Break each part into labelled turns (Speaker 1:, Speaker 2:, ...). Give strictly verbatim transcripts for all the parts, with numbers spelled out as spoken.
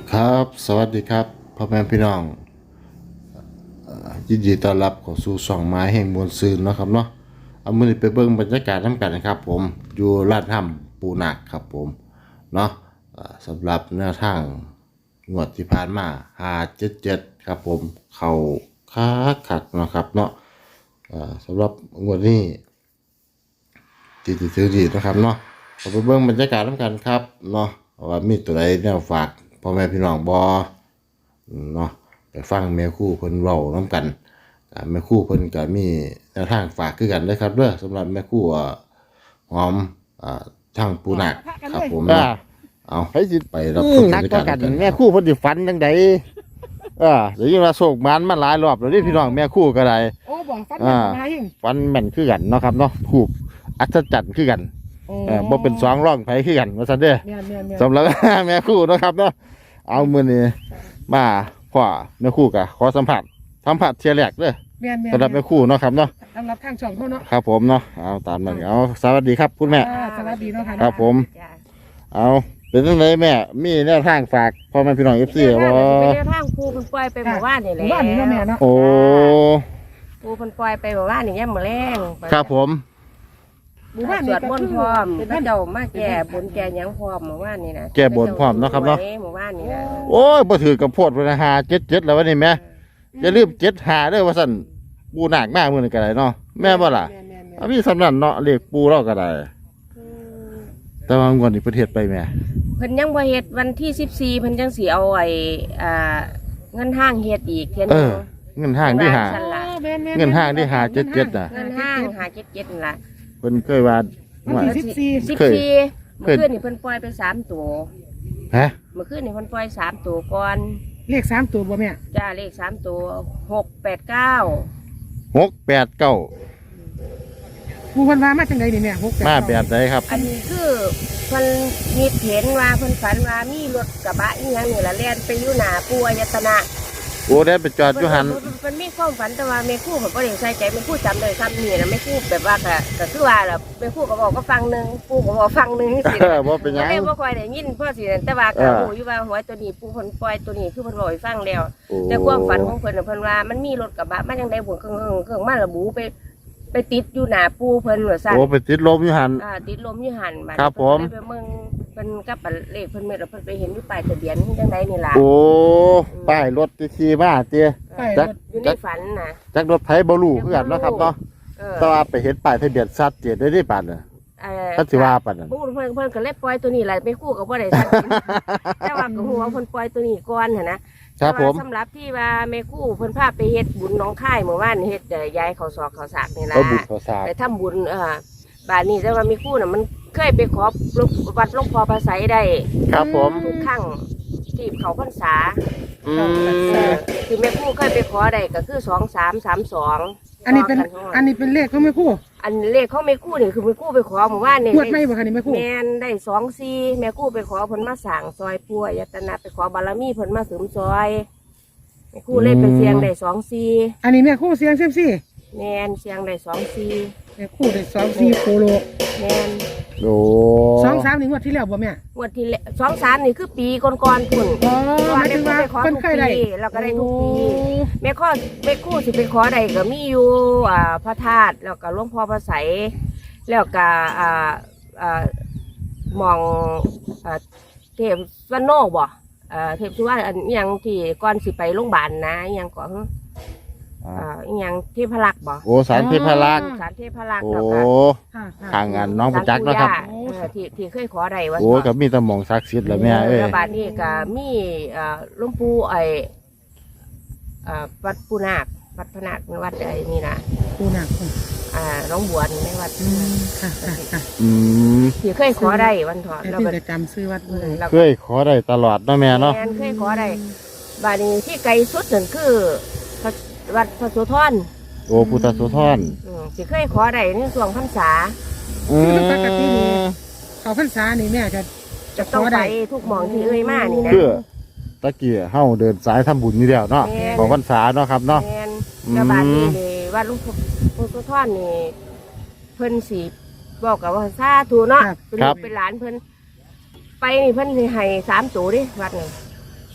Speaker 1: ครับสวัสดีครับพ่อแม่พี่น้องเอ่อยินดีต้อนรับเข้าสู่ช่องไม้แห่งมวลซืนเนาะครับเนาะเอามื้อนี้ไปเบิ่งบรรยากาศนำกันนะครับผมอยู่ลาดถ้ำปูนาคครับผมเนาะเอ่อสำหรับแนวทางงวดที่ผ่านมาห้าเจ็ดเจ็ดครับผมเข้าคักคักเนาะครับเนาะเอ่อสำหรับงวดนี้ที่ที่ถือดีนะครับเนาะเอาไปเบิ่งบรรยากาศนำกันครับเนาะว่ามีตัวใดแนวฝากพ่อแม่พี่น้องบ่ เนาะไปฟังแม่ครู่เพิ่นเว้านํกันอ่าแม่ครู่เพิ่นก็มีแนวทางฝากคือกันเด้อครับเด้อสำหรับแม่ครู่อ่าหอมอ่าทางปูนาคครับผม
Speaker 2: อ่า
Speaker 1: เนาะเอา
Speaker 2: ให้สิ
Speaker 1: ไปรับช
Speaker 2: อื
Speaker 1: ม
Speaker 2: ม
Speaker 1: บร
Speaker 2: นัก
Speaker 1: รยา
Speaker 2: ก็
Speaker 1: กาศ
Speaker 2: กัน
Speaker 1: กัน
Speaker 2: แม่คู่เพิ่นสิฝันจังไดเออเดี๋ยวยิ่งว่าโศกมันมาหลายรอบแล้วนี่พี่น้องแม่คู่ก็ได้
Speaker 3: โอ้บอกฟัน
Speaker 2: อ่า
Speaker 3: มาหิง
Speaker 2: ฝันแม่นคือกันเนาะครับเนาะถูกอัศจรรย์คือกันเออบ่เป็นสองร่องไผคือกันว่าซั่นเด้อ
Speaker 3: เมียนเมียนเมียน
Speaker 2: สำหรับ แม่คู่เนาะครับเนาะเอามื้อนี้มาพ่อแม่คู่ก็ขอสัมผัสสัมผัสเที่ยแรกเด้อ
Speaker 3: เมียนเมียน
Speaker 2: สำหรับแม่คู่เนาะครับเนาะ
Speaker 3: สำหรับทางช่องเขาเนาะ
Speaker 2: ครับผมเนาะเอาตามนั้นเอาสวัสดีครับคุณแม่
Speaker 3: อ่าสวัสดีเนาะค่ะ
Speaker 2: ครับผม เอาเป็นจังไดแม่มีแนวทางฝากพ่อแม่พี่น้อง เอฟ ซี บ่
Speaker 4: เป็นแนวทางครูเพิ่นปล่อยไปหมู่บ้านนี่แหละ
Speaker 3: บ้านนี้เนาะแม่เนาะ
Speaker 2: โอ้
Speaker 4: ครูเพิ่นปล่อยไปหมู่บ้านนี่ยามมื้อแลง
Speaker 2: ครับผม
Speaker 3: หมู่บ้าน
Speaker 4: ส
Speaker 3: นี้
Speaker 4: วด
Speaker 3: ก็
Speaker 4: มนต์
Speaker 3: คื
Speaker 4: พร้อม
Speaker 3: เป็น
Speaker 4: พระ
Speaker 3: บ้าน
Speaker 4: เจ้ามาแก่บุญแก่หยังพร้อมหมู่บ้านนี่นะ
Speaker 2: แก้บนพร้อมเนาะครับเนาะ
Speaker 4: หมู่บ้านนี่นะ
Speaker 2: โอ้ยบ่ถือกับโพดพนหาเจ็ดเจ็ดแล้ววะนี่แม่อย่าลืมเจ็ดหาเด้อว่าสั่นปูหนักมากมื้อนี้ก็ได้เนาะแม่บ่ล่ะ
Speaker 3: เมียนเมียนเมียน
Speaker 2: เอามีสำนันเนาะเลขปูเราก็ได้ แต่ว่างวดนี้ประเทศไปแม่
Speaker 4: เพิ่นยังบ่เฮ็ดวันที่สิบสี่เพิ่นจังสิเอาไอ้อ่าเงินห้างเฮ็ดอีกเทียน
Speaker 2: เอ
Speaker 4: นึ
Speaker 2: อง เงินห้างที่หา
Speaker 4: สั่นล่ะ
Speaker 3: แม่นแม่น
Speaker 2: เงินห้างที่หาเจ็ดเจ็ดน่ะ
Speaker 4: เงินห้างหาเจ็ดเจ็ดนั่นล่ะ
Speaker 2: เพิ่นเคยว่า
Speaker 3: วันที่สิบสี่
Speaker 4: สิบ
Speaker 2: เคย
Speaker 4: สี่
Speaker 2: เค
Speaker 4: เมื่
Speaker 2: ย
Speaker 4: อคืนนี่เพิ่นปล่อยไปสามตัว
Speaker 2: ฮะ
Speaker 4: เมื่อคืนนี่เพิ่นปล่อยสามตัวก่อน
Speaker 3: เลขสามตัวบ่แม่
Speaker 4: จ้าเลขสามตัวหกแปดเก้า
Speaker 2: หกแปดเก้า
Speaker 3: ผู้เพิ่นว่ามาจังไดนี่แม่หกแปด
Speaker 2: มา
Speaker 3: เก้
Speaker 2: แบบใดครับ
Speaker 4: อันนี้คือเพิ่นมีเห็นว่าเพิ่นฝันว่ามีรถกระบะอีหยังนี่ละแล่นไปอยู่หน้าปู่อายตนะ
Speaker 2: โอ้ได้ไปจอดอยู่หัน
Speaker 4: เพิ่นเพิ่นมีความฝันแต่ว่าแม่ครูเพิ่นบ่ได้ใส่ใจแม่ครูจำได้ซ้ำนี่นะแม่ครูแบบว่าก็ก็คือว่าล่ะแม่ครูก็บอกก็ฟังหนึงปู่ก็บอกฟังหนึงสิ
Speaker 2: เออบ่เป็นหยัง
Speaker 4: ก็เลยบ่ค่อยได้ยินเพราะสิแต่ว่า
Speaker 2: เอ
Speaker 4: ก็
Speaker 2: อ
Speaker 4: รู้อยู่ว่าหวยตัวนี้ปู่เพิ่นปล่อยตัวนี้คือเพิ่นบอกให้ฟังแล้ว
Speaker 2: โอ้
Speaker 4: แต่ความฝันของเพิ่นน่ะเพิ่นว่ามันมีรถกระบะมาจังได๋บ่เครื่องๆเครื่องมาระบุไปไปติดอยู่หน้าปู่เพิ่นว่าซั่น
Speaker 2: โอ้ไปติดลมอยู่หัน
Speaker 4: อ่าติดลมอยู่หันบัด
Speaker 2: ครับผม
Speaker 4: เพิ่นก็เลยไปเมืองเพิ่นกับอันเลขเพิ่นเม็ดแล้วเพิ่นไปเห็นอยู่ป้ายทะเบียนจังไดนี่ล่ะ
Speaker 2: โอ้ป้ายรถที่ขี่มาเตี้ย
Speaker 3: ไป
Speaker 2: จัก
Speaker 4: อยู่ในฝันน่ะ
Speaker 2: จักรถไถบ่รู้คือกันเนาะครับเนาะ
Speaker 4: เออ
Speaker 2: แต่ว่าไปเห็นป้ายทะเบียนชัดเจนได้ที่ปานน่ะ
Speaker 4: เอ่อ
Speaker 2: ถ้าสิว่าปานนั้น
Speaker 4: พูดเพิ่นเพิ่นก็เลยปล่อยตัวนี้แหละไปคู่กับบ่ได้ทัน แต่ว่าก็ฮู้ว่าเพิ่นปล่อยตัวนี้ก่อนหั่นนะครับ
Speaker 2: ผม
Speaker 4: แต่ว่าสำหรับที่ว่าแม่ครู่เพิ่นพาไปเฮ็ดบุญหน้องค่ายเมื่อวานเฮ็ดเอ่อยายเขาศอกเขาสากนี่ล่ะ
Speaker 2: เอาบุญขอสาก
Speaker 4: ไปทำบุญเออบ้านนี้แต่ว่าแม่ครู่น่ะมันเคยไปขอวัดหลวงพ่อพระไสยได้
Speaker 2: ครับผม
Speaker 4: ทุกครั้งที่เขาพรรษา
Speaker 2: อื
Speaker 4: เอ
Speaker 2: ม
Speaker 4: อคือแม่ครู่เคยไปขอได้ก็คือสองสามสามสอง
Speaker 3: อันนี้เป็นอันนี้เป็นเลขของแม่ครู่
Speaker 4: อันเลขของแม่ครู่นี่คือแม่ครู่ไปขอเมื่อวานนี่
Speaker 3: งวดไม่บ่คะนี่แม่ครู่
Speaker 4: แม่นได้สองซีแม่ครู่ไปขอเพิ่นมาสั่งซอยปัวยตนะไปขอบารมีเพิ่นมาเสริมซอยแม่ครู่เล่นเป็นเสียงได้สองซี
Speaker 3: อันนี้แม่ครู่เสียงเซยมซี่
Speaker 4: แม่นเสียงได้สองซี
Speaker 3: แม่ครู่ได้สองสี่โคโล
Speaker 4: แม่น
Speaker 2: โอ้
Speaker 3: สองสามนี่งวดที่แล้วบ่แม่
Speaker 4: งวดที่แล้วสองสามนี่คือปีก่อนๆพุ่น
Speaker 3: อ๋อหมายถึงว่า
Speaker 4: แม่ครู่ไปขอ
Speaker 3: เพิ่น
Speaker 4: ทุก
Speaker 3: เคยได้
Speaker 4: ปีแล้วก็ได้ทุกปีแม่ข้อแม่ครู่สิไปขอได้ก็มีอยู่อ่าพระธาตุแล้วก็หลวงพ่อพระไสยแล้วก็อ่าอ่าหมองอ่าเทพสวรรณโนบ่ เอ่อเทพสุวรรณอันอิหยังที่ก่อนสิไปโรงพยาบาลนะอิหยังก่อน
Speaker 2: อ่า
Speaker 4: อ่าอิหยังเทพรักษ์บ่
Speaker 2: โอ้สารเทพรักษ์
Speaker 4: สารเทพรักษ์
Speaker 2: โอ้
Speaker 4: แล้วก็
Speaker 3: ค่ะค่ะ
Speaker 2: ทางงานน้องประจักษ์เนาะครับ
Speaker 4: ศาลปู่ย่าเออที่ที่เคยขอได้ว่า
Speaker 2: โอ้กับมีแตะมองศักดิ์สิทธิ์แล้วแม่เอ้ย
Speaker 4: แล้วบาดนี้ก็มีเอ่อหลวงปู่ไอ้เอ่อวัดปูนาควัดพระนาควัดไอ้นี่นะ
Speaker 3: ครู่หนัก
Speaker 4: อ่าน้องบวนในวัด
Speaker 3: อืมค่ะค่ะค่ะ
Speaker 2: อืม
Speaker 4: ที่เคยขอได้วันถอด
Speaker 3: ไอ้
Speaker 4: แล้ว
Speaker 3: ที่
Speaker 4: ก็
Speaker 3: จะจำซื้อวัด
Speaker 4: อื
Speaker 3: เล
Speaker 4: ม
Speaker 3: ย
Speaker 4: แล้ว
Speaker 2: เคยขอได้ตลอดเนาะแม่เนาะ
Speaker 4: แม่นเคยขอได้บาดนี้ที่ไกลสุดนั่นคือพระวัดพระโสธร
Speaker 2: โอ้พุทธโสธร
Speaker 4: อืมสิเคยขอได้ในช่วงพรรษา
Speaker 2: อืม
Speaker 3: เขาพรรษานี่แม่จะจะ
Speaker 4: จะ
Speaker 3: ข
Speaker 4: ต้อง
Speaker 3: อ
Speaker 4: ไป
Speaker 3: ได้
Speaker 4: ทุกหมองที่เอ่ยมานี่นะ
Speaker 2: เพื่อตะเกียเฮาเดินสายทำบุญนี่แล้วเนาะ
Speaker 4: แม่น
Speaker 2: ของพรรษาเนาะครับเนาะ
Speaker 4: แม่น
Speaker 2: อืม
Speaker 4: แล้วบาดนี้นี่วัดหลวงพ่อพระโสธรนี่เพิ่นสิบอกกับว่าสาธุเนาะเป็นลูกเป็นหลานเพิ่นไปนี่เพิ่นสิให้สามตัวเดิวัดนี่
Speaker 2: โ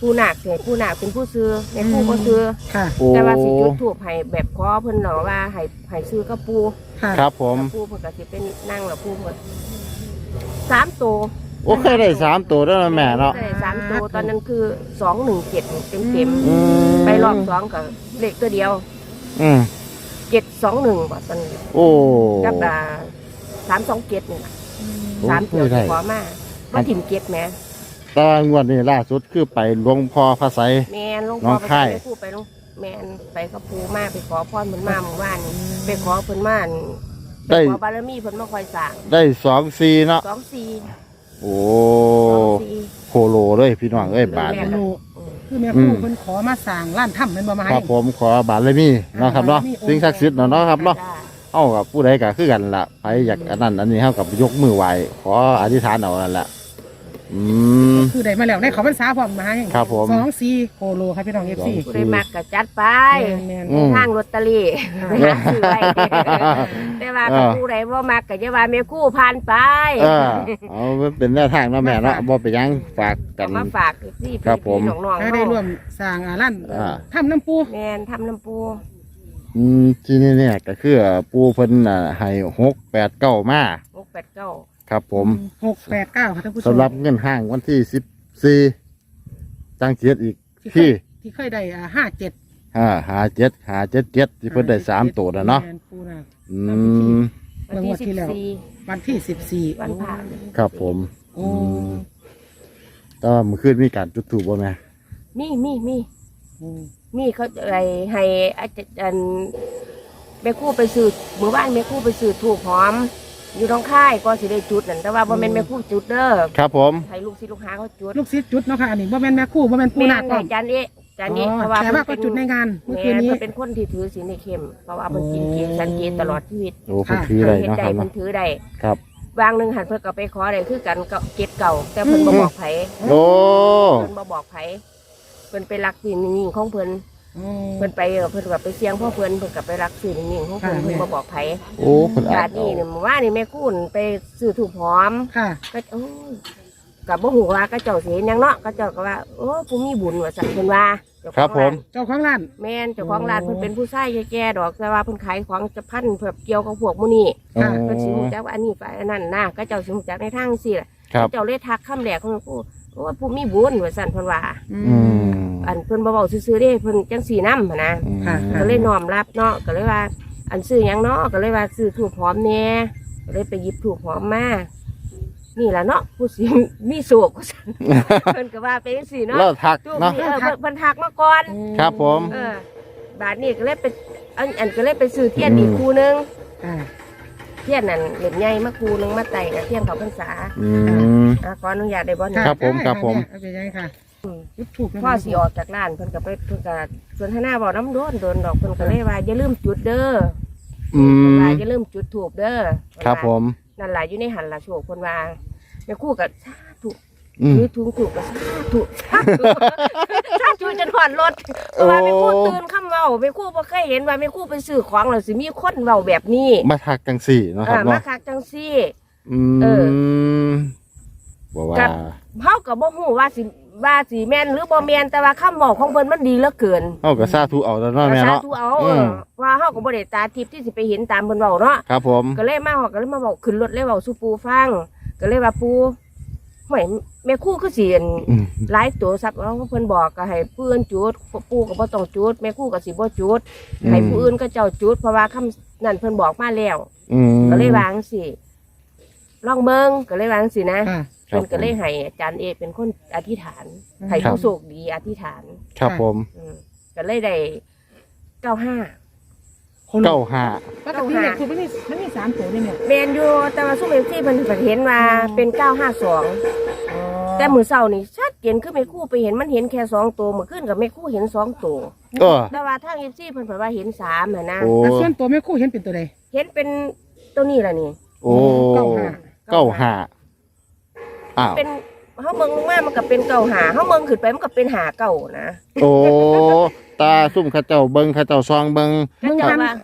Speaker 4: ผู้นาคเนี่ยผู้นาคเป็นผู้ซื้อแม่ครู่ก็ซื้อ
Speaker 3: ค่ะ
Speaker 2: โอ้
Speaker 4: แต่ว่าสิจุดถูกให้แบบขอเพิ่นเนาะว่าให้ให้ซื้อกับปู
Speaker 3: ค่ะ
Speaker 2: ครับผม
Speaker 4: ปูเพิ่นก็สิเป็นนั่งแล้วปูเพิ่นสามตัว
Speaker 2: โอ้เคยได้สามตัวแล้วนะแม่เนาะ
Speaker 4: ได้สามตัวตอนนั้นคือสองหนึ่งเจ็ดเต็มเต็มๆ
Speaker 2: อืม
Speaker 4: ไปรอบสองกับเลขตัวเดียว
Speaker 2: อืม
Speaker 4: เจ็ดสองหนึ่งบ่ตอนนี้
Speaker 2: โอ้
Speaker 4: กับอ่าสามสองเจ็ดนี่ล่ะ
Speaker 2: โอ้
Speaker 4: สามเดียว
Speaker 2: ไม่ได้
Speaker 4: ขอมามาถิ่มเจ็ดแหม
Speaker 2: ตอนงวดนี้ล่าสุดคือไปหลวงพ่อพระไสย
Speaker 4: แมนหลวง
Speaker 2: น้
Speaker 4: พ่อ
Speaker 2: อง
Speaker 4: ไป
Speaker 2: ค่าย
Speaker 4: ไปพูดไปหลวงแมนไปกับปูมาไปขอพรเพิ่นมาเมื่อวานนี้ไปขอเพิ่นมาไป
Speaker 2: ได้
Speaker 4: ขอบารมีเพิ่นมาคอยสร้าง
Speaker 2: ได้สองซีเนาะ
Speaker 4: สองสี่
Speaker 2: โอ้
Speaker 4: สองสี่
Speaker 2: โคโลเลยพี่น้องเอ้ยบาท
Speaker 3: แม่
Speaker 2: นี่
Speaker 3: ครูคือแม่ครูเพิ่นขอมาสร้างร้านถ้ำเป็นบ่มา
Speaker 2: ค
Speaker 3: ให้
Speaker 2: รับผมขอบาทเลยมีเนาะครับเนาะ
Speaker 3: บารมี
Speaker 2: สิ่งศักดิ์สิทธิ์เนาะเนาะครับเนาะ
Speaker 4: จ้
Speaker 2: เอ้ากับผู้ใดก็คือกันล่ะไปอยากอันนั้นอันนี้เฮากับยกมือไหว้ขออธิษฐานเอานั่นแหละอืม
Speaker 3: คือได้มาแล้วได้เขาพรรษาพร้อมมาให้
Speaker 2: ครับผม
Speaker 3: สองสี่โคโลครับพี่น้องเอฟซี
Speaker 2: สอง
Speaker 4: ผู้ใดมักก็จัดไป
Speaker 3: แม่น
Speaker 2: อืม
Speaker 4: ทางลอตเตอรี่ไปหาซื้อไว้แต่ว่าถ้าผู้ใดบ่มักก็จะว่าแม่ครู่ผ่านไป
Speaker 2: เออเอาเป็นแนวทางเนาะแม่เนาะบ่ไปหยังฝากกั
Speaker 4: เอา
Speaker 2: น
Speaker 4: มาฝากพี่
Speaker 2: ครับผม
Speaker 4: พี่น้องๆ
Speaker 3: ๆได้ร่วมสร้างอ่าร้าน
Speaker 2: อ่า
Speaker 3: ถ้ำน้ำปู
Speaker 4: แมนทำน้ำปู
Speaker 2: อืมที่นี่เนี่ยก็คือปูเพิ่นน่ะให้หกแปดเก้ามา
Speaker 4: หกแปดเก้า
Speaker 2: ครับผม
Speaker 3: หกแปดเก้าค่ะท่านผู้ชม
Speaker 2: สำหรับเงินห้างวันที่สิบสี่ตั้งเจ็ดอีก
Speaker 3: ที่เคย
Speaker 2: ที่
Speaker 3: ที่เคยได้อ่าห้าเจ็ด
Speaker 2: อ่าหาเจ็ดหาเจ็ดเจ็ดที่เพิ่นได้สามตัวนะเนาะ
Speaker 3: แม่ปูนะ
Speaker 2: อืม
Speaker 4: วันที่สิบสี่
Speaker 3: วันที่สิบสี่
Speaker 4: วันผ่าน
Speaker 2: ครับผม
Speaker 3: โอ้
Speaker 2: อืมแต่ว่าเมื่อคืนมีการจุดถูกบ่แม่
Speaker 4: มีมีมี
Speaker 3: โอ้
Speaker 4: มีเขาอะไรให้อาจารย์แม่ครู่ไปซื้อเมื่อวานแม่ครู่ไปซื้อถูกหอม อยู่ท้องค่ายก็สิได้จุดนั่นแต่ว่าบ่แม่นแม่ครู่จุดเด้อ
Speaker 2: ครับผม
Speaker 4: ให้ลูกศิษย์ลูกหาเขาจุด
Speaker 3: ลูกศิษย์จุดเนาะค่ะอันนี้บ่แม่นแม่ครู่บ่แม่นปู
Speaker 4: แม่
Speaker 3: นาค
Speaker 4: น
Speaker 3: ก่อ
Speaker 4: ให้
Speaker 3: น
Speaker 4: อาจารย์เอ๊ะอาจารย์เอ๊ะ
Speaker 3: อ๋อ
Speaker 4: เพราะว่า
Speaker 3: แต่ว่าก็
Speaker 4: เพิ่น
Speaker 3: จุดในงานเมื่อ
Speaker 4: แม่
Speaker 3: คืนนี้
Speaker 4: เพิ่นเป็นคนที่ถือศีลในเข้มเพราะว่าเพิ่นกินเกสันเกตตลอดชีวิต
Speaker 2: โอ้เพิ่นถืออะไร
Speaker 4: เฮ็ด
Speaker 2: เนาะ
Speaker 4: ได้
Speaker 2: ครับ
Speaker 4: เพิ่
Speaker 2: เนาะ
Speaker 4: นถือได้
Speaker 2: ครับ
Speaker 4: วางหนึงหันเพิ่นก็ไปขอได้คือกันก็เกตเก่า แต่เพิ่นบ่บอกไผ
Speaker 2: โอ้
Speaker 4: เพิ่นบ่บอกไผเพิ่นไปรักสิ่งนิ่งๆของเพิ่น
Speaker 3: โอ้
Speaker 4: เพิ่นไปเออเพิ่นก็ไปเสี่ยงพ่อเพิ่นเพิ่นก็ไปรักสิ่งนิ่งๆของเพิ่น
Speaker 3: ค่ะ
Speaker 4: เพิ่นบ่บอกไผ
Speaker 2: โอ้เพิ่นอา
Speaker 4: บา
Speaker 2: จ
Speaker 4: ดนี้นี่เมื่อวานนี่แม่คุณไปซื้อถูกหอม
Speaker 3: ค่ะ
Speaker 4: ก็โอ้ยก็บ่ฮู้ว่าก็เจ้าสิเห็นหยังเนาะก็เจ้าก็ว่าโอ้ผู้มีบุญว่าซั่นเพิ่นว่าเจ้าของ
Speaker 2: ครับผม
Speaker 4: าน
Speaker 3: เจ้าของร้าน
Speaker 4: แม่นเจ้าของร้านเพิ่นเป็นผู้ชายแก่ๆดอกแต่ว่าเพิ่นขายของจะพันแบบเกี่ยวกับพวกหมู่นี้
Speaker 2: โอ้
Speaker 4: เพิ่นสิรู้จักว่าอันนี้ฝ่ายอันนั้นนะก็เจ้าสิรู้จักในทางจังซี่ล่ะ
Speaker 2: ครับ
Speaker 4: เจ้าเลยทักคำแรกของกูโอ้ผู้มีบุญว่าซั่นเพิ่นว่า
Speaker 3: อื
Speaker 2: อื
Speaker 3: ม
Speaker 2: ม
Speaker 4: อันเพิ่นบ่เว้าซื่อๆเด้เพิ่นจังซี่นำหันนะ
Speaker 3: ค่ะ
Speaker 4: ก็เลยน้อมรับเนาะก็เลยว่า อันซื้อหยังเนาะก็เลยว่าซื้อถูกหอมแหน่ก็เลยไปหยิบถูกหอมมานี่ล่ะเนาะผู้สิมีโศกว่าซั่น เพิ่นก็ว่าไปจังซี่เนาะ
Speaker 2: เราทัก
Speaker 4: ถูก
Speaker 2: เนาะ
Speaker 4: นี่เออเพิ่นเพิ่นทักมาก่อน
Speaker 2: ครับผม
Speaker 4: เออบาดนี้ก็เลยไปอันอันก็เลยไปซื้อเทียนอีกคู่หนึง
Speaker 3: ค่ะ
Speaker 4: เทียนนั่นเล่มใหญ่มาคู่หนึงมาไต่กับเทียนเขาพรรษา
Speaker 2: อืม
Speaker 4: อ่ะขออนุญาตได้บ่เนี่ย
Speaker 2: ครับผมครับผม
Speaker 3: เอาไปยังค่ะจุดถูกนะ
Speaker 4: พ่อสิออกจากร้านเพิ่นก็ไปเพิ่นก็สวนทนาบอกน้ำโดนโดนดอกเพิ่นก็เลยว่าอย่าลืมจุดเด้อ
Speaker 2: อื
Speaker 4: เพิ่น
Speaker 2: ม
Speaker 4: ว่าอย่าลืมจุดถูกเด้อ
Speaker 2: ครับผม
Speaker 4: นั่นล่ะอยู่ในหันล่ะโชคเพิ่นว่าแม่ครู่ก็สาธุ
Speaker 2: อืม
Speaker 4: ถือถุงถูกก็สาธุสาธุสาธุจนหอนรถเพราะว่าแม่ครู่ตื่นค่ำเว้าแม่ครู่บ่เคยเห็นว่าแม่ครู่ไปซื้อของแล้วสิมีคนเว้าแบบนี้
Speaker 2: มาทักจังสี่เนาะค
Speaker 4: อ่า
Speaker 2: รับ
Speaker 4: มา
Speaker 2: เนาะ
Speaker 4: คักจังซี่
Speaker 2: อื
Speaker 4: เออ
Speaker 2: มบอกว่า
Speaker 4: กับ เฮาก็บ่ฮู้ว่าสิว่าสิแม่นหรือบ่แม่นแต่ว่าคำเว้าของเพิ่นมันดีเหลือเกิน
Speaker 2: เอากับซาทูเอาแล้วเนาะแม่
Speaker 4: สา
Speaker 2: เนาะ
Speaker 4: ธุเอา
Speaker 2: อืม
Speaker 4: ว่าเฮาก็บ่ได้ตาทิพย์ที่สิไปเห็นตามเพิ่นเว้าเนาะ
Speaker 2: ครับผม
Speaker 4: ก็เลยมาฮอดก็เลยมาบอกขึ้นรถเลยเว้าสู่ปู่ฟังก็เลยว่าปู่ห่วยแม่ครู่คือสิอั่น
Speaker 2: อืม
Speaker 4: หลายตัวซับเอาเพิ่นบอกก็ให้ผู้อื่นจุดปู่ก็บ่ต้องจุดแม่ครู่ก็สิบ่จุดให้ผู้อื่นก็เจ้าจุดเพราะว่าคำนั้นเพิ่นบอกมาแล้ว
Speaker 2: อืม
Speaker 4: ก็เลยวาจั่งสิลองเบิ่งก็เลยวาจั่งสินะ
Speaker 3: ค่ะ
Speaker 4: เพิ่นก็เลยให้อาจารย์เอเป็นคนอธิษฐาน
Speaker 3: อืม
Speaker 4: ให้ผู้โชคดีอธิษฐาน
Speaker 2: ครับผม
Speaker 4: อืมก็เลยได้เก้าห้า
Speaker 2: เก้าห้า
Speaker 3: ปกติเนี่ยคือมันมีมันมีสามตัวเนี่ยเนี่ย
Speaker 4: เมนอยู่แต่ว่าซุ่มเอฟซีเพิ่นก็เห็นว่าเป็นเก้าห้าสองแต่มื้อเช้านี่ชัดเจนคือแม่ครู่ไปเห็นมันเห็นแค่สองตัวเมื่อคืนกับแม่ครู่เห็นสองตัว
Speaker 2: เออ
Speaker 4: แต่ว่าทางเอฟซีเพิ่นเผยว่าเห็นสามน่ะนะ
Speaker 2: โอ้
Speaker 3: แต่ส่วนตัวแม่ครู่เห็นเป็นตัวใด
Speaker 4: เห็นเป็นตัวนี้ล่ะนี่
Speaker 2: โอ้
Speaker 3: เก้าห้า
Speaker 2: เก้าห้าอ้าว
Speaker 4: เป็นเฮาเบิ่งลงมามันก็เป็นเก้าหาเฮาเบิ่งขึ้นไปมันก็เป็นหาเก้านะ
Speaker 2: โอ้ตาซุ่มเข้าเจ้าเบิงเข้าเจ้าซองเบิง
Speaker 4: ก็
Speaker 3: เบิ่ง
Speaker 4: จะ
Speaker 3: กัน
Speaker 4: ว่า
Speaker 3: กล้อง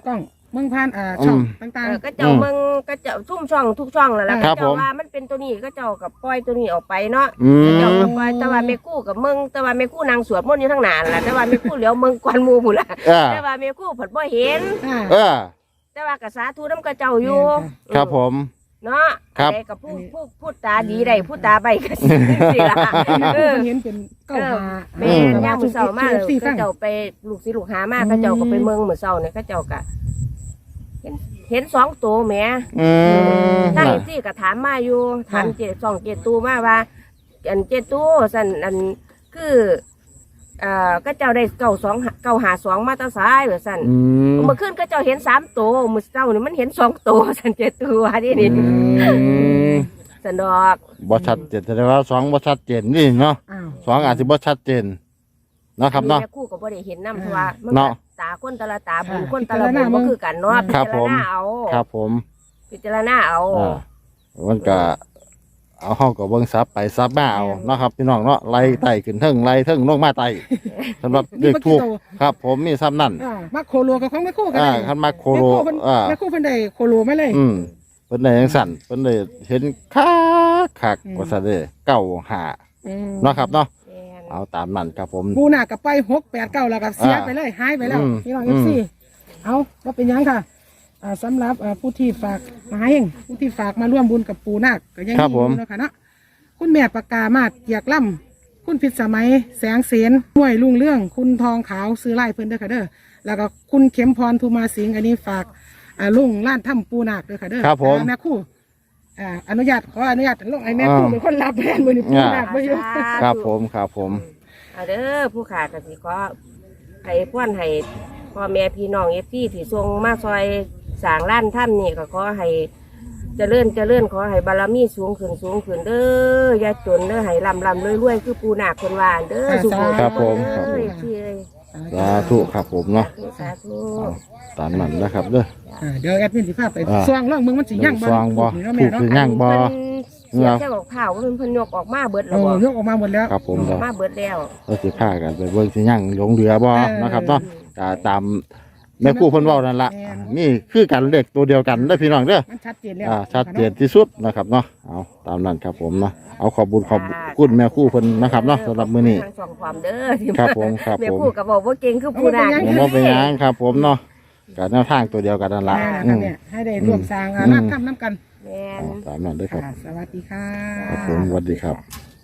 Speaker 3: เมืองผ่านอ่าช่อง
Speaker 2: อืม
Speaker 3: ต่าง
Speaker 4: เออก็เจ้าเมืองก็เจ้าทุ่มช่องทุกช่องแล้วล่ะ
Speaker 2: ครับ
Speaker 4: ก็เจ้า
Speaker 2: ผม
Speaker 4: ว่ามันเป็นตัวนี้ก็เจ้ากับปล่อยตัวนี้ออกไปเนาะ
Speaker 2: อืม
Speaker 4: เจ้ากับปล่อยแต่ว่าแม่กู้กับเมืองแต่ว่าแม่กู้นางสวดมนต์อยู่ทั้งนานล่ะแต่ว่าแม่กู้เหลียวเมืองกวนหมู่พุ่นล่ะ
Speaker 2: เออ
Speaker 4: แต่ว่าแม่กู้เพิ่นบ่เห็น
Speaker 3: ๆอ่า
Speaker 2: เออ
Speaker 4: แต่ว่าก็สาธุนำกับเจ้าอยู่
Speaker 2: ครับผม
Speaker 4: เนาะ
Speaker 2: ครับ
Speaker 4: อะไรกับผู้ผู้พูดตาดีได้พูดตาใบก็สิสิล่ะ
Speaker 3: เอ
Speaker 4: เอ
Speaker 3: อ
Speaker 4: อ
Speaker 3: เห็นเป็นเก้าหา
Speaker 4: แม่นย่างมือเสาร์มากเลย
Speaker 3: สี่
Speaker 4: ก็
Speaker 3: ฟัง
Speaker 4: เจ้าไปลูกศิษย์ลูกหามากก็เจ้าก็ไปเมืองมือเสาร์เนี่ยก็เจ้าก็เห็นเห็นสองตัวแหม่
Speaker 2: อืม
Speaker 4: ตั้ง
Speaker 2: น่ะ
Speaker 4: ที่ก็ถามมาอยู่ถามเจสองเจตูมาว่า อันเจตูสันอันคือเอ่อก็เจ้าได้เก้าสองเก้าหาสองมาตาซ้ายเหรอสัน
Speaker 2: อืม
Speaker 4: เมื่อคืนก็เจ้าเห็นสามตัวมือเสาร์นี่มันเห็นสองตัวสันเจตูว่าที่นี่
Speaker 2: อืม
Speaker 4: สันดอก
Speaker 2: บ่ชัดเจนแต่ว่าสองบ่ชัดเจนนี่เนาะ
Speaker 3: อ้าว
Speaker 2: สองอาจสิบ่ชัดเจนเนาะครับเนาะ
Speaker 4: แม่คู่ก็บ่ได้เห็นน้ำเพราะว่ามัน
Speaker 2: เนาะ
Speaker 4: ตาคนแตละตาบุญ
Speaker 3: อ่า
Speaker 4: คนแตละบุญก็คือกันเนาะพิ
Speaker 2: ครับ
Speaker 4: จาร
Speaker 2: ผม
Speaker 4: ณาเอา
Speaker 2: ครับผม
Speaker 4: พิจารณาเอา
Speaker 2: อ่ามันก็เอาเฮาก็เบิ่งซับไปซับมาเอาเนาะครับพี่น้องเนาะไล่ไต่ขึ้นเทิงไล่เทิงลงมาไต่สำหรับเด็กถูกครับ ผมมีซ้ำนั่น
Speaker 3: อ่ามาโคโลกับของแม่คู่กัน
Speaker 2: อ่า
Speaker 3: ได้
Speaker 2: คันมาโคโร
Speaker 3: แม่คู่เพิ่น
Speaker 2: อ่า
Speaker 3: แม่คู่เพิ่นได้โคโลมาเลย
Speaker 2: อืมเพิ่นได้จังสั่นเพิ่นได้เห็นคักคัก
Speaker 3: อืม
Speaker 2: ว่าซั่นเด้เก้าหา
Speaker 3: อืม
Speaker 2: เนาะครับเนาะ
Speaker 4: แม่น
Speaker 2: เอาตามนั้นครับผม
Speaker 3: ปูน่ะกับไปหกแปดเก้าแล้วกับเสีย
Speaker 2: อ่า
Speaker 3: ไปเลยหายไปแล้ว
Speaker 2: อืม
Speaker 3: พี่น้อง
Speaker 2: อื
Speaker 3: เอฟ
Speaker 2: ม
Speaker 3: ซีเอาว่าเป็นหยังค่ะอ่าสำหรับอ่าผู้ที่ฝากมาให้เองผู้ที่ฝากมาร่วมบุญกับปูนาคก็ยัง
Speaker 2: ครับ
Speaker 3: มี
Speaker 2: ผม
Speaker 3: อยู่เนาะค่ะเนาะคุณแม่ปากกามาดเกียกล่ำคุณพิษสมัยแสงเสนห้วยลุงเรื่อง คุณทองขาวซื้อไล่เพิ่นเด้อค่ะเด้อแล้วก็คุณเข็มพรภูมาสิงห์อันนี้ฝากอ่าลุงล้านถ้ำปูนาคเด้อค่ะเด้อ
Speaker 2: ครับผม
Speaker 3: อ่าแม่คู่อ่าอนุญาตขออนุญาตลงไอ้แม่คู่เป็นคนรับแทนมือนี่ปูนาคไม่อยู่
Speaker 2: ครับผมครับผม
Speaker 4: เอาเด้อผู้ขาก็สิขอให้พ่อนให้พ่อแม่พี่น้องเอฟซีที่ส่งมาซอยสร้างร้านถ้ำนี่ก็ขอให้เจริญเจริญขอให้บารมีสูงขึ้นสูงขึ้นเด้ออย่าจนเด้อให้ลำลำรวยรวยคือปูนาคคนวานเด้อสุข
Speaker 2: ครับผมครับผม
Speaker 4: เอ้ยพี่เอ้ย
Speaker 2: สาธุครับผมเนาะ
Speaker 4: สาธุ
Speaker 2: เอาตามนั้นนะครับเด้อ
Speaker 3: อ่าเดี๋ยวแอดมินสิพาไป
Speaker 2: อ่า
Speaker 3: สว่างล่องมึงมันสิย่าง
Speaker 2: สว่างบ่
Speaker 3: นี่เนาะแม่เนาะ
Speaker 2: ถูก ย่างบ่
Speaker 4: เพิ่นเสียแค่บอกข่าวว่าเพิ่นเพิ่นยกออกมาเบิดแล้
Speaker 3: โอ้
Speaker 4: วบ่
Speaker 3: ยกออกมาหมดแล้ว
Speaker 2: ครับผม
Speaker 4: อ
Speaker 2: เด้
Speaker 4: อ
Speaker 2: อก
Speaker 4: มาเบิดแล้ว
Speaker 2: เราสิพากันไปเบิ่งสิยังหลงเรือบ่
Speaker 3: เออ
Speaker 2: นะครับเนาะก็ตามแม่ครูเพิ่นเว้านั่นล่ะ
Speaker 3: แม่น
Speaker 2: นี่คือกันเลขตัวเดียวกันเด้อพี่น้องเด้อ
Speaker 3: มันชัดเจนแล้ว
Speaker 2: อ่าชัดเจนที่สุดนะครับเนาะเอาตามนั้นครับผมเนาะเอาขอบบุญขอบคุณแม่ครูเพิ่นนะครับเนาะสำหรับมื้อนี้
Speaker 4: ทางสองความเด้อที่
Speaker 2: ครับผมครับ
Speaker 4: แม่
Speaker 2: ผม
Speaker 4: ครูก็บอกว่าเก่งคือผู้นาค
Speaker 2: ผมว่าเป็นหยังครับผมเนาะก็แนวทางตัวเดียวกันนั่นล่ะ
Speaker 3: แม่
Speaker 2: อื
Speaker 3: นะ
Speaker 2: ม
Speaker 3: เนี่ยให้ได้ร่วมสร้างอ่า
Speaker 2: อืม
Speaker 3: ร้านทำน้ำกัน
Speaker 4: แม่น
Speaker 2: เอาตามนั้นเด้อครับ
Speaker 3: อ่าสวัสดีค่ะ
Speaker 2: ครับผมสวัสดีครับ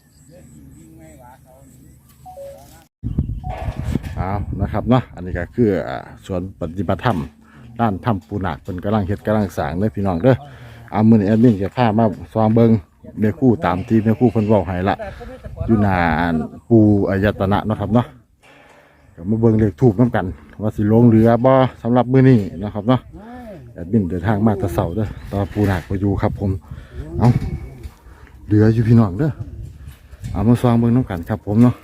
Speaker 2: เอานะครับเนาะอันนี้ก็คืออ่าส่วนปฏิบัติธรรมด้านถ้ำปูนาคเป็นกำลังเฮ็ดกำลังสร้างเด้อพี่น้องเด้อเอามื้อนี้แอดมินจะพามาซองเบิ่งแม่ครู่ตามที่แม่ครู่เพิ่นเว้าให้ละอยู่หน้าปูอายตนะเนาะครับเนาะก็มาเบิ่งเลขทูปนํกัน ว่าสิลงเรือบ่สำหรับมื้อนี้นะครับเนาะแอดมินเดินทางมาแต่เช้าเด้อตอนปูนาคไปอยู่ครับผมเอาเรืออยู่พี่น้องเด้อเอามาซองเบิ่งนํกันครับผมเนาะ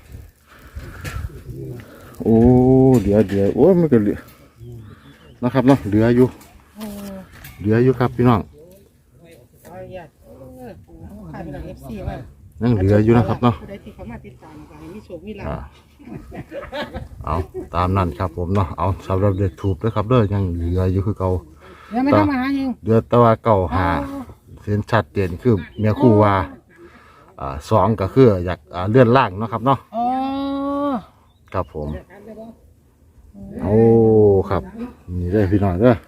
Speaker 2: โอ้เดี๋ยวเดี๋ยวโอ้ยมันก็เหลือนะครับเนาะเหลืออยู่เหลืออยู่ครับพี่น้อง
Speaker 3: เอาอย่าเออขายไปหลังเอฟซีว่า
Speaker 2: ยังเหลืออยู่นะครับเนาะ
Speaker 3: ผู้ใดที่เขามาติดตามก็ให้มีโชคมีลา
Speaker 2: อ่า
Speaker 3: ภ
Speaker 2: เอาตามนั้นครับผมเนาะเอาสำหรับเด็กถูกนะครับเด้อยังเหลืออยู่คือเก่า
Speaker 3: เดี๋ยวไม่ต้องมาหาเอง
Speaker 2: เหลือแต่ว่าเก่าหาเส้นชัดเจนคือเมียคู่ว่าอ่าสองก็คืออยากอ่าเลื่อนล่างเนาะครับเนาะ
Speaker 3: อ๋อ
Speaker 2: ครับผมโอ้ครับนี่ได้อพี่น้องเด้อ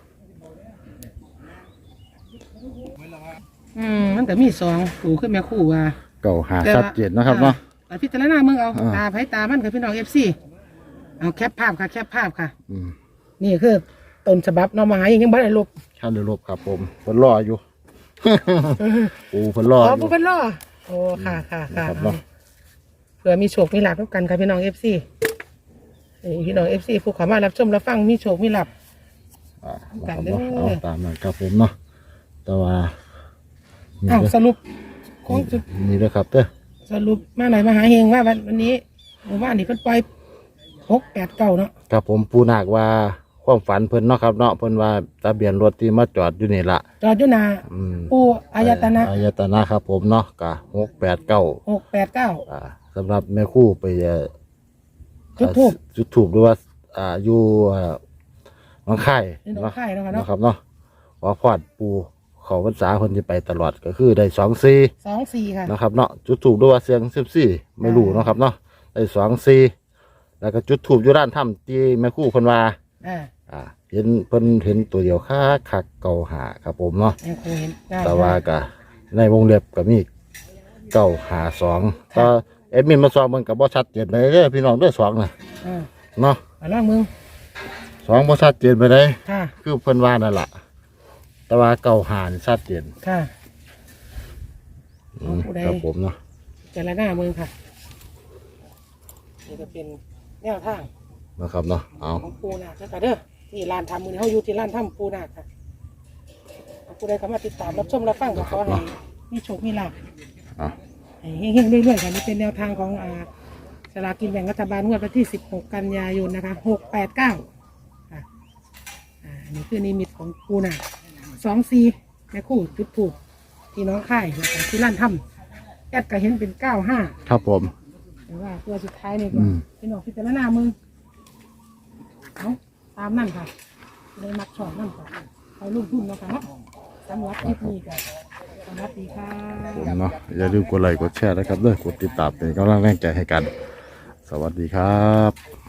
Speaker 3: อืมมันแต่มีสองปูขึ้นแม่คู่ว่า
Speaker 2: เก่าหาชัดเจนนะครับเนาะ
Speaker 3: อ่พิจารณามึงเอา
Speaker 2: อ่า
Speaker 3: ตาไผตามันกับพี่น้องเอฟซีเอาแคปภาพค่ะแคปภาพค่ะ
Speaker 2: อืม
Speaker 3: นี่คือต้นฉบับเน้องมาหาเองยังบ่ได้ลบ
Speaker 2: ขั้นเดือลบครับผมเพิ่นรออยู่ ปูเพิ่นรอ
Speaker 3: อ๋อ
Speaker 2: อ
Speaker 3: ผู้
Speaker 2: ยู่
Speaker 3: เป็นล่อโอ้ค่ะค่ะค่ะ
Speaker 2: นะครับเนาะ
Speaker 3: เผื่อมีโชคมีลาภทุกกันค่ะพี่น้องเอฟซีพี่น้องเอฟซีผู้เขอมารับชมรับฟังมีโชคมีลาภ
Speaker 2: อ่า
Speaker 3: กัน
Speaker 2: นะครับ
Speaker 3: เด้อ
Speaker 2: เนาะเอาตามนั้นครับผมเนาะแต่ว่านี่
Speaker 3: อ้าว
Speaker 2: เด้อ
Speaker 3: สรุปคงจุด
Speaker 2: นี่เด้อครับเด้อ
Speaker 3: สรุปมาไหนมาหาเฮงว่าวันวันนี้หมู่บ้านนี่เพิ่นปล่อยหกแปดเก้าเนาะ
Speaker 2: ครับผมปูนาคว่าความฝันเพิ่นเนาะครับเนาะเพิ่นว่าทะเบียนรถที่มาจอดอยู่นี่ละ
Speaker 3: จอดอยู่หนา
Speaker 2: อืม
Speaker 3: ปูอายตนะ
Speaker 2: อายตนะครับผมเนาะกะหกแปดเก้า
Speaker 3: หกแปดเก้า
Speaker 2: อ่าสำหรับแม่ครู่ไปเอ่อ
Speaker 3: จุดทูบ
Speaker 2: จุดถูกหรือว่าอ่าอยู่อ่าน้องไข่
Speaker 3: นี่น้องไข่เนาะค่ะเนาะ
Speaker 2: นะครับเนาะว่าพอดปูเขาพรรษาคนที่ไปตลอดก็คือได้สองสี่
Speaker 3: สองสี่ค่ะ
Speaker 2: นะครับเนาะจุดถูกด้วยว่าเสียงสิบสี่ไม่รู้เนาะครับเนาะได้สองสี่แล้วก็จุดถูกอยู่ด้านถ้ำที่แม่ครู่เพิ่นว่า
Speaker 3: อ่า
Speaker 2: อ่าเห็นเพิ่นเห็นตัวเดียวค่าคักเก่าหาครับผมเนาะ
Speaker 3: ยังคงเห็นได้
Speaker 2: แต่ว่าก็ในวงเล็บก็มีเก้าหาสองก็เอ็ดมินมาสองมันกับบ่ชัดเจนไปเด้อพี่น้องเด้อสองน่ะ
Speaker 3: อ่า
Speaker 2: เนาะ
Speaker 3: เอาล่างมึง
Speaker 2: สองบ่ชัดเจนไปเลย
Speaker 3: ค่ะ
Speaker 2: คือเพิ่นว่านั่นล่ะแต่ว่าเก้าหานี่ชัดเจน
Speaker 3: ค่ะ
Speaker 2: อืม
Speaker 3: ผู้ใด
Speaker 2: ครับผมเนาะ
Speaker 3: เจรหน้ามึงค่ะนี่จะเป็นแนวทาง
Speaker 2: นะครับเนาะเอา
Speaker 3: ของปูนาคค่ะเด้อที่ร้านทำมือนี้เขาอยู่ที่ร้านทำปูนาคค่ะผู้ใดเข้ามาติดตามรับชมรับฟังก็ขอให้มีโชคมีลาภ
Speaker 2: เอา
Speaker 3: ให้เฮงๆเรื่อยๆค่ะนี่เป็นแนวทางของอ่าสลากกินแบ่งรัฐบาลงวดวันที่สิบหกกันยายนนะคะหกแปดเก้าค่ะอ่าอันนี้คือนิมิตของปูนาสองซีแม่คู่จุดถูกที่น้องค่ายนะคะที่ร้านทำแอดก็เห็นเป็นเก้าห้า
Speaker 2: ครับผม
Speaker 3: แต่ว่าตัวสุดท้ายนี่ก็
Speaker 2: อืม
Speaker 3: เป็นออกพิจารณามือเอาตามนั่นค่ะเลยมักชอบนั่นค่ะเอาลูกทุ่นนะคะเนาะสำหรับคลิปนี้ก็สวัสดีค่ะ
Speaker 2: ผมเนาะอย่าลืมกดไลค์กดแชร์นะครับเด้อกดติดตามเป็นกำลังแรงใจให้กัน สวัสดีครับ